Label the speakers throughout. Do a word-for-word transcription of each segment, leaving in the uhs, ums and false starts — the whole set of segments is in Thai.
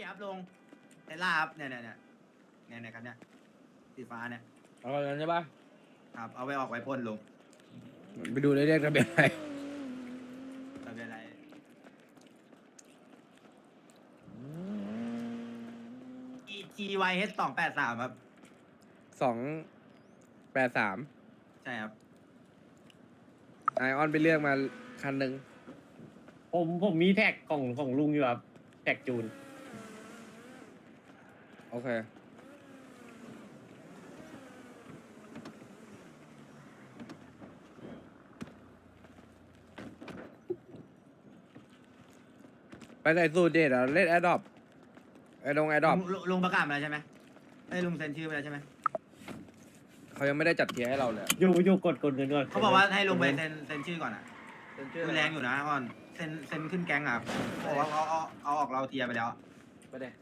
Speaker 1: ครับลงเทสลาครับเนี่ยเนี่ยเนี่ยเนี่ยเนี่ยครับเนี่ยสีฟ้าเนี่ย
Speaker 2: เอาแบบนั้นใช่ปะ
Speaker 1: ครับเอาไปออกไว้พ่นลง
Speaker 2: ไปดูเลยเรียกทะเบียนอะไร
Speaker 1: ทะเบียนอะไร E G Y H สองแปดสามครับ
Speaker 2: สองแปดสาม
Speaker 1: ใช่ครับ
Speaker 2: ไอออนไปเลือกมาคันหนึ่ง
Speaker 3: ผมผมมีแท็กของของลุงอยู่ครับแท็กจูน
Speaker 2: โอเค ไปไหนสูตรเด็ดอ่ะเล่นแอดดอปไอดงแอดดอป
Speaker 1: ลุงลุงลุงประกาศมาแล้วใช่ไหมไอ้ยลุงเซ็นชื่อไปแล้วใช่ไหม
Speaker 2: เขายังไม่ได้จัดเทียร์ให้เราเลย
Speaker 3: อยู่อยู่กดกดเงินก่อน
Speaker 1: เขาบอกว่าให้ลุงไปเซ็นเซ็นชื่อก่อนอ่ะ
Speaker 2: เป็นชื่อ
Speaker 1: ดูแรงอยู่นะก่อนเซ็นเซ็นขึ้นแก๊งอ่ะครับบอกว่าเอาเอาเอาออกเราเทียร์ไปแล้ว
Speaker 2: ไปเด้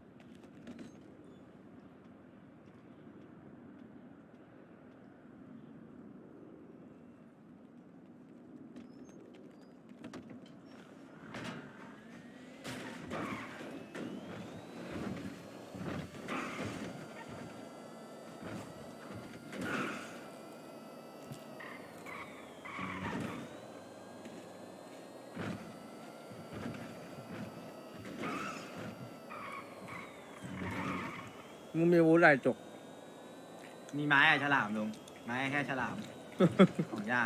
Speaker 2: มึงมีอาวุธอะไรจก
Speaker 1: มีไม้อะฉลามลุงไม้แค่ฉลาม ของย่าง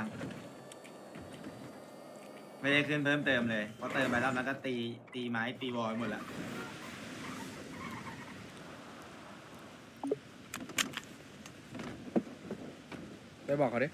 Speaker 1: ไม่ได้ขึ้นเพิ่มเติมเลยเพราะเติมไปแล้วมันก็ตีตีไม้ตีบอลหมดแล้ว
Speaker 2: ไปบอกเขาดิ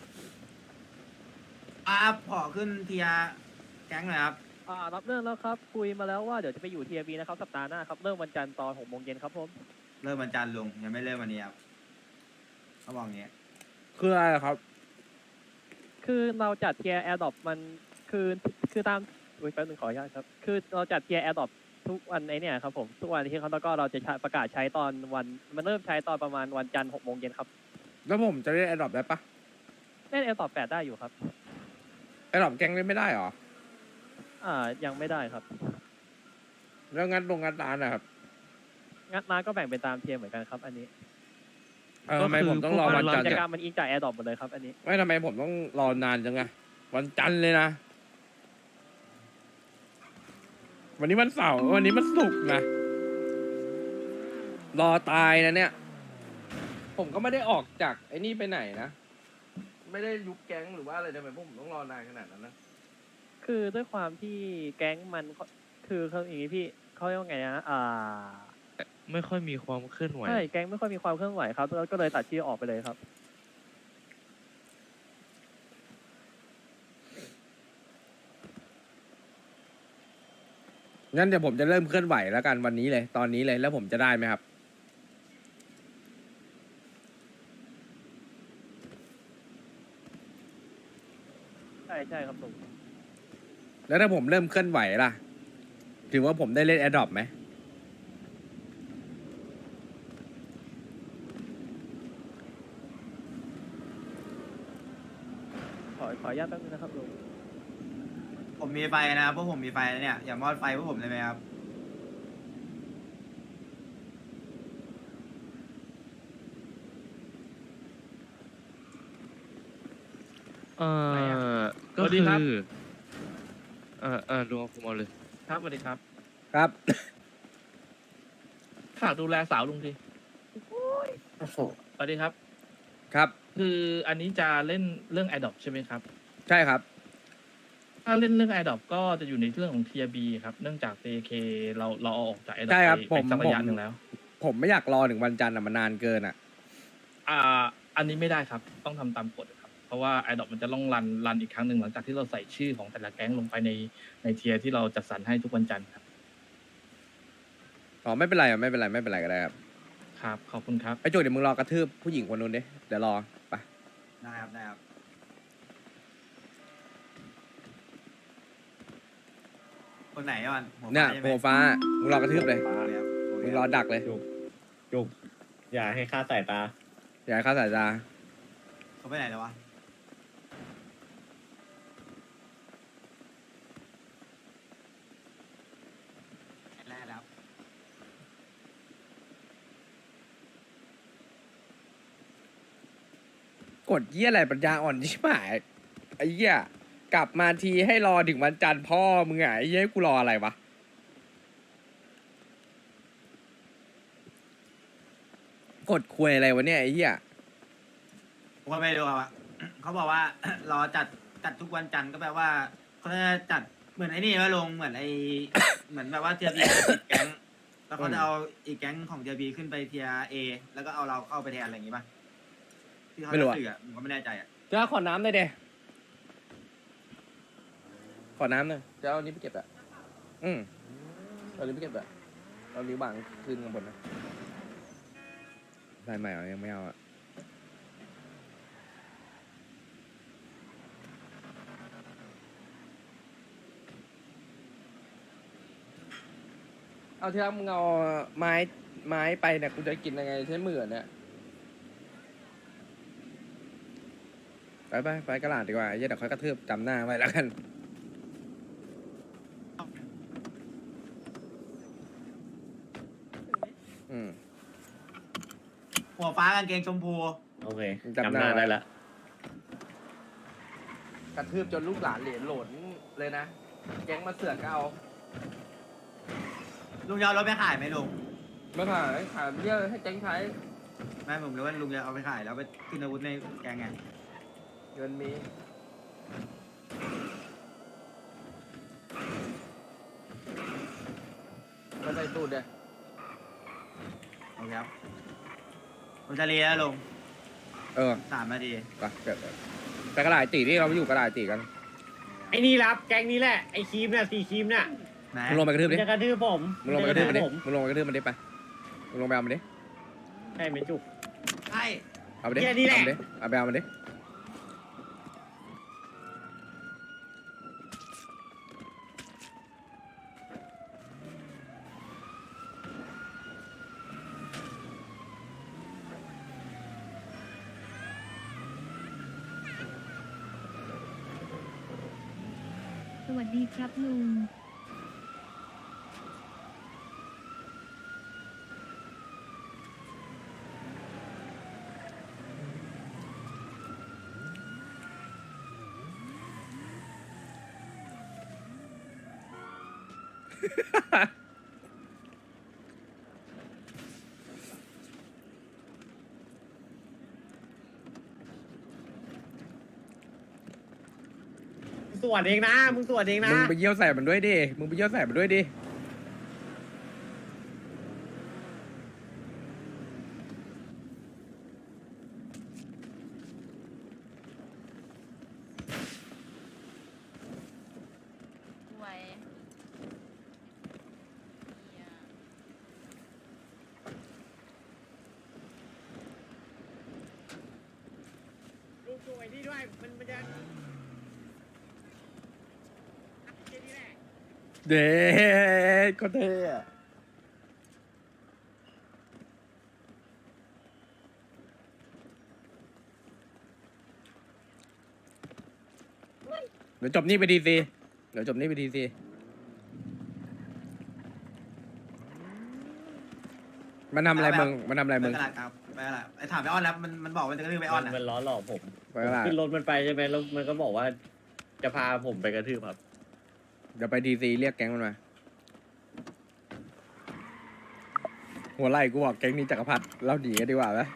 Speaker 1: อ่ะขอขึ้นเทียร์แก๊งหน่อยครับ
Speaker 4: อ่ารับเรื่องแล้วครับคุยมาแล้วว่าเดี๋ยวจะไปอยู่ทีวีนะครับสัปดาห์หน้าครับเริ่มวันจันทร์ตอนหกโมงเย็นครับผม
Speaker 1: เริ่มวันจันทร์ลุงยังไม่เริ่มวันนี้ครับเขาบอกอย่างเงี้ย
Speaker 2: คืออะไรครับ
Speaker 4: คือเราจัดเทียร์แอร์ดรอปมันคือคือตามอุ้ยแป๊บนึงขออนุญาตครับคือเราจัดเทียร์แอร์ดรอปทุกวันไอเนี่ยครับผมทุกวันที่เขาแล้วก็เราจะใช้ประกาศใช้ตอนวันมันเริ่มใช้ตอนประมาณวันจันทร์หกโมงเย็นครับ
Speaker 2: แล้วผมจะเล่นแอดดอปได้ปะ
Speaker 4: เล่นแอร์ดรอปแปดได้อยู่ครับ
Speaker 2: แอดดอปแกงเล่นไม่ได้หรอ
Speaker 4: อ่ายังไม่ได้ครับ
Speaker 2: แล้วงัดลงงัดร้านนะครับ
Speaker 4: งัดร้านก็แบ่งเป็นตามเทียร์เหมือนกันครับอันนี้
Speaker 2: เออทำไมผมต้องรอวันจันทร์
Speaker 4: กิจ
Speaker 2: เนี่ย
Speaker 4: กรรมมันอิงจากแอร์ดรอปหมดเลยครับอันนี้
Speaker 2: ไม่ทำไมผมต้องรอนานจังอะวันจันทร์เลยนะ วันนี้วันเสาร์วันนี้มันศุกร์นะ รอตายนะเนี่ย ผมก็ไม่ได้ออกจากไอ้นี่ไปไหนนะ ไม่ได้ยุบแก๊งหรือว่าอะไรทำไมพวกผมต้องรอนานขนาดนั้นนะ
Speaker 4: คือด้วยความที่แก๊งมันคือเขาอย่างนี้พี่เขาเรียกว่าไงนะอ่า
Speaker 5: ไม่ค่อยมีความเคลื่อนไหว
Speaker 4: ใช่แก๊งไม่ค่อยมีความเคลื่อนไหวครับแล้วก็เลยตัดชื่อออกไปเลยครับ
Speaker 2: งั้นเดี๋ยวผมจะเริ่มเคลื่อนไหวแล้วกันวันนี้เลย ตอนนี้เลยแล้วผมจะได้ไหมครับ
Speaker 4: ใช่ใช่ครับลุง
Speaker 2: แล้วถ้าผมเริ่มเคลื่อนไหวล่ะ ถือว่าผมได้เล่นแอดดอปไหม
Speaker 4: ขอขออนุญาตแป๊บนึงนะครับลุง
Speaker 1: ผมมีไฟนะครับพวกผมมีไฟแล้วเนี่ยอย่ามอดไฟพวกผมเลยไหมครับ
Speaker 5: เอ่อก็
Speaker 3: สวัสดี
Speaker 5: คือ
Speaker 3: ครับ
Speaker 5: เอ่อเอ่อลุงเอาผมเอาเลย
Speaker 3: ครับสวัสดีครับ
Speaker 2: ครับ
Speaker 3: ฝากดูแลสาวลุงทีสวัสดีครับ
Speaker 2: ครับ
Speaker 3: คืออันนี้จะเล่นเรื่อง a d o p ใช่ไหมครับ
Speaker 2: ใช่ครับ
Speaker 3: ถ้าเล่นเรื่อง a d o p ก็จะอยู่ในเรื่องของ Tier B ครับ เนื่องจาก เจ เค เราเราเอาออกจาก a d o p
Speaker 2: ใช่ครับ
Speaker 3: ไป
Speaker 2: ผม
Speaker 3: ไปสักระยะ
Speaker 2: ผม
Speaker 3: หนึ่งแล้ว
Speaker 2: ผมไม่อยากรอถึงวันจันทร์อะมันนานเกินอะ
Speaker 3: อ่า อันนี้ไม่ได้ครับ ต้องทำตามกฎครับ เพราะว่า a d o p มันจะต้องรันรันอีกครั้งหนึ่งหลังจากที่เราใส่ชื่อของแต่ละแก๊งลงไปในในเทียร์ที่เราจัดสรรให้ทุกวันจันทร์ครับ
Speaker 2: อ๋อไม่เป็นไรอะไม่เป็นไรไม่เป็นไรก็ได้ครับ
Speaker 3: ครับ ขอบคุณครับ
Speaker 2: ไอ้โจเดี๋ยวมึงรอกระทืบผู้หญิงคนนู้นดิเดี๋ยวรอไป
Speaker 1: ได้ครับได้ครับคนไหนอ่ะมันหัว
Speaker 2: เนี่ย
Speaker 1: ฟ้าใช่ไห
Speaker 2: โผ
Speaker 1: ม
Speaker 2: ล่ฟ้ามึงรอกระทืบเลย
Speaker 1: โอเคครับโอเค
Speaker 2: มึง
Speaker 1: ค
Speaker 2: รอ
Speaker 1: รับ
Speaker 2: ดักเลย
Speaker 6: จุกจุกอย่าให้ค่าสายตา
Speaker 2: อย่าให้เข้าสายตา
Speaker 1: เขาไปไหนแล้ววะแรกแล้ว
Speaker 2: กดเยี่ยอะไรปัญญาอ่อนชิบหายไอ้เหี้ยกลับมาทีให้รอถึงวันจันทร์พ่อมึงไงไอ้เหี้ยให้กูรออะไรวะกดคุยอะไรวะเนี่ยไอ้เหี้ย
Speaker 1: ผมก็ไม่รู้ครับเขาบอกว่า รอจัดจัดทุกวันจันทร์ก็แปลว่าเขาจะจัดเหมือนไอ้นี่ว่าลงเหมือนไอ้ เหมือนแบบว่าเทียบีติดแก๊งแล้วเขาจะเอาอีกแก๊งของเทียบีขึ้นไปเทียเอแล้วก็เอาเราเข้าไปแทนอะไรอย่างงี้ป่ะที่เขา
Speaker 2: ไม่รู้
Speaker 1: จะ
Speaker 2: อะ
Speaker 1: สื่ออะผมก็ไม่แน่ใจอ่ะ
Speaker 2: เจ้าขอน้ำหน่อยเดขอน้ำหน่อยเจ้าเอานี้ไปเก็บอะอืมเอานี้ไปเก็บอะเอานี้วางคืนข้างบนนะได้ไหมอ่ะยังไม่เอาอะเอาที่รักมึงเอาไม้ไม้ไปเนี่ยกูจะกินยังไงใช้มือเนี่ยไปไปไปกระดาษดีกว่าไอ้เหี้ยเดี๋ยวค่อยกระทืบจำหน้าไว้แล้วกันอืม
Speaker 1: หัวฟ้ากางเกงชมพู
Speaker 6: โอเค
Speaker 2: จำ
Speaker 6: จำ
Speaker 2: ห
Speaker 6: ห
Speaker 2: น้า
Speaker 6: น้า
Speaker 2: ไว้
Speaker 6: ได้ละ
Speaker 2: กระทืบจนลูกหลานเหรียญโหลนเลยนะ แก๊งมาเสือกก็เอา
Speaker 1: ลุงจะเอารถไปขายไหมลุง
Speaker 2: ไม่ผ่านขายเยอะให้แก๊งใช้
Speaker 1: ไม่ผมรู้ว่าลุงจะเอาไปขายแล้วไปขึ้นอาวุธในแก๊งไง
Speaker 2: เงินมีมาใส่ตูดเลย
Speaker 1: โอเคครับผมจะเรียนแล้วลุง
Speaker 2: เออ
Speaker 1: สามนาที
Speaker 2: ไปเกิดไปกระดาษตีที่เราไปอยู่กระดาษตีกัน
Speaker 6: ไอ้นี่รับแก๊งนี้แหละไอ้ครีมเนี่ยสีครีมเนี่ย
Speaker 1: ไหน
Speaker 2: มึงลงไปกระทืบ
Speaker 6: มัน
Speaker 2: ดิ
Speaker 6: จะกระทืบผม
Speaker 2: มึงลงไปกระทืบมันดิ
Speaker 6: ผม
Speaker 2: มึงลงไปกระทืบมันดิไปมึงลงไปเอามันดิ
Speaker 6: ใช่ไหมจุก
Speaker 1: ใช่
Speaker 2: เอาไปดิ
Speaker 6: เหี้ยนี่แหละ
Speaker 2: เอามันดิเอาไปเอามันดิ
Speaker 7: สวัสดีครับลุง
Speaker 6: มึงสวดเองนะมึงสวดเองนะ
Speaker 2: มึงไปเยี่ยวใส่มันด้วยดิมึงไปเยี่ยวใส่มันด้วยดิ
Speaker 7: ไว้
Speaker 6: ลูกสวยนี่ด้วยมันมันจะ
Speaker 2: เด็ดก็เท่อะเดี๋ยวจบนี่ไปดีซีเดี๋ยวจบนี่ไปดีซีมันทำอะไรมึงมันทำอะไร
Speaker 1: ไป
Speaker 2: มึง
Speaker 1: กระดาษครับไปกระดาษไอ้ถามไปออนแล้วมันมันบอกว่าจะกระทืบไปออน
Speaker 6: มัน
Speaker 1: อ่ะ
Speaker 6: มันล้อหลอกผม
Speaker 2: ไปกระดาษ
Speaker 6: ขึ้นรถมันไปใช่ไหมแล้วมันก็บอกว่า จะพาผมไปกระทืบครับ
Speaker 2: เดี๋ยวไปดีซีเรียกแก๊งมันมา หัวไหล่กูบอกแก๊งนี้จักรพรรดิเราหนีกันดีกว่าไหม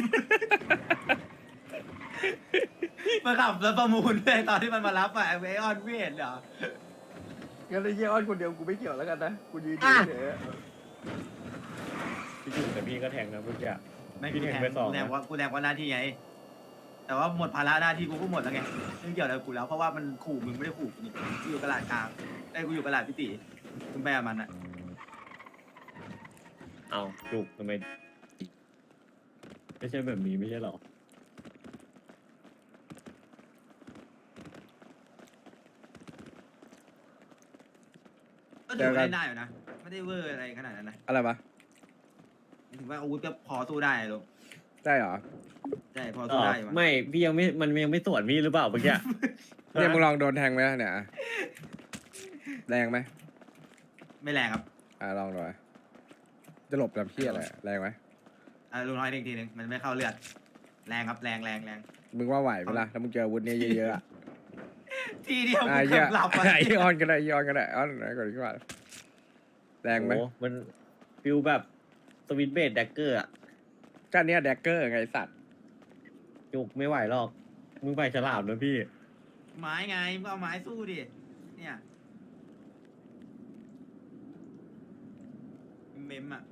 Speaker 1: มาขับรถประมูลด้วยตอนที่มันมารับอ่ะไอ้ออนไม่เห็นเหรอ
Speaker 2: งั้นไอ้เยี่ยอ้อนคนเดียวกูไม่เกี่ยวแล้วกันนะกูยืน
Speaker 1: อ่ะ
Speaker 2: เฉย
Speaker 6: พี่จุกแต่พี่ก็แทงนะเมื่อกี้
Speaker 1: ไม่
Speaker 6: พี่
Speaker 1: กู
Speaker 6: แทง
Speaker 1: แทง
Speaker 6: ไปสอง
Speaker 1: กูแทง
Speaker 6: นะ
Speaker 1: ว่ากูแทงว่าหน้าที่ไง แต่ว่าหมดภาระหน้าที่กูก็หมดแล้วไงไม่เกี่ยวอะไรกับกูแล้วเพราะว่ามันขู่มึงไม่ได้ขู่กูนี่กูอยู่กระดาษกลางไอ้ยกูอยู่กระดาษพิติมึงไปกับมันอ่ะ
Speaker 6: เอาจุกทำไมไม่ใช่แบบนี้ไม่ใช่หรอ
Speaker 1: ก็ถือว่าเล่นได้อยู่นะไม่ได้เวอร์อะไรขนาดนั้นนะ
Speaker 2: อะไรวะ
Speaker 1: ถือว่าอาวุธก็พอสู้ได้ลูก
Speaker 2: ได้เหรอ
Speaker 1: ใช่พอ
Speaker 6: อ๋
Speaker 1: สู้
Speaker 6: อ
Speaker 1: ได้อยู่มั้ง
Speaker 6: ไม่พี่ยังไม่มันยังไม่สวนพี่หรือเปล่าเมื่อกี้
Speaker 2: เนี่ยมึงลองโดนแทงไหมเนี่ยอ่ะแรงไหม
Speaker 1: ไม่แรงครับ
Speaker 2: อ่ะลองหน่อยจะหลบแบบเพี้ยอะไรอ่ะแรงไหม
Speaker 1: อ่ะลุงน้อยอีกทีหนึ่งมันไม่เข้าเลือดแรงครับแรงแรงแรง
Speaker 8: มึงว่าไหวไหมล่ะถ้ามึงเจออาวุธเนี้ยเยอะๆอะ
Speaker 1: ทีเดียว
Speaker 8: อ่ะ
Speaker 1: กู
Speaker 8: เหี้
Speaker 1: เกื
Speaker 8: ย
Speaker 1: อบหลับอ่ะ
Speaker 8: ไอออนก็ได้ไอออนก็ได้ออนไหนก่อนดีกว่าแรงไหม
Speaker 6: โอ้มันฟิลแบบสวิตเบดแดกเกอร์อะ
Speaker 8: ก็เนี้ยแดกเกอร์ไงไอ้สัตว์
Speaker 6: จุกไม่ไหวหรอก มึงไปฉลามนะพี่
Speaker 1: ไม้ไงมึงเอาไม้สู้ดิเนี่ยเมมอ่ะ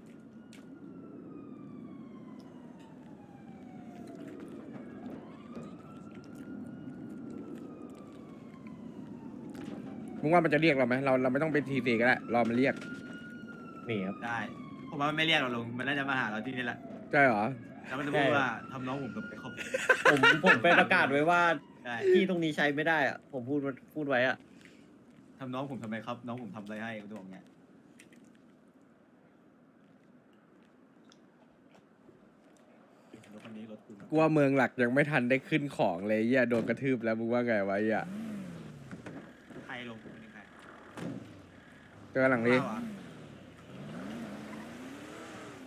Speaker 8: มึงว่ามันจะเรียกเราไหมเราเราไม่ต้องเป็นทีซีก็ได้รอมันเรียก
Speaker 6: นี่ครับ
Speaker 1: ได้ผมว่ามันไม่เรียกเราลงมันน่าจะมาหาเราที่นี่แหละ
Speaker 8: ใช่เหรอ
Speaker 1: แล้วมันจะพูดว่าทำน้องผมกับไปครบ
Speaker 6: ผมผมไปประกาศไว้ว่า
Speaker 1: ได้
Speaker 6: ที่ตรงนี้ใช้ไม่ได้อะผมพูดพูดไว้อะ
Speaker 1: ทำน้องผมทำไมครับ น้องผมทำอะไรให้กูบอกเงี้ยรถคันนี้รถกู
Speaker 8: กลัวเมืองหลักยังไม่ทันได้ขึ้นของเลยเหี้ยโดนกระทืบแล้วมึงว่าไงวะเหี้ย
Speaker 1: ใครลงกูเป็นใคร
Speaker 8: เจอหลังนี้
Speaker 1: ว้าวอะ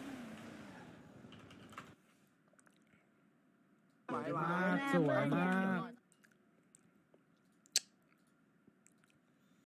Speaker 9: สวยมาก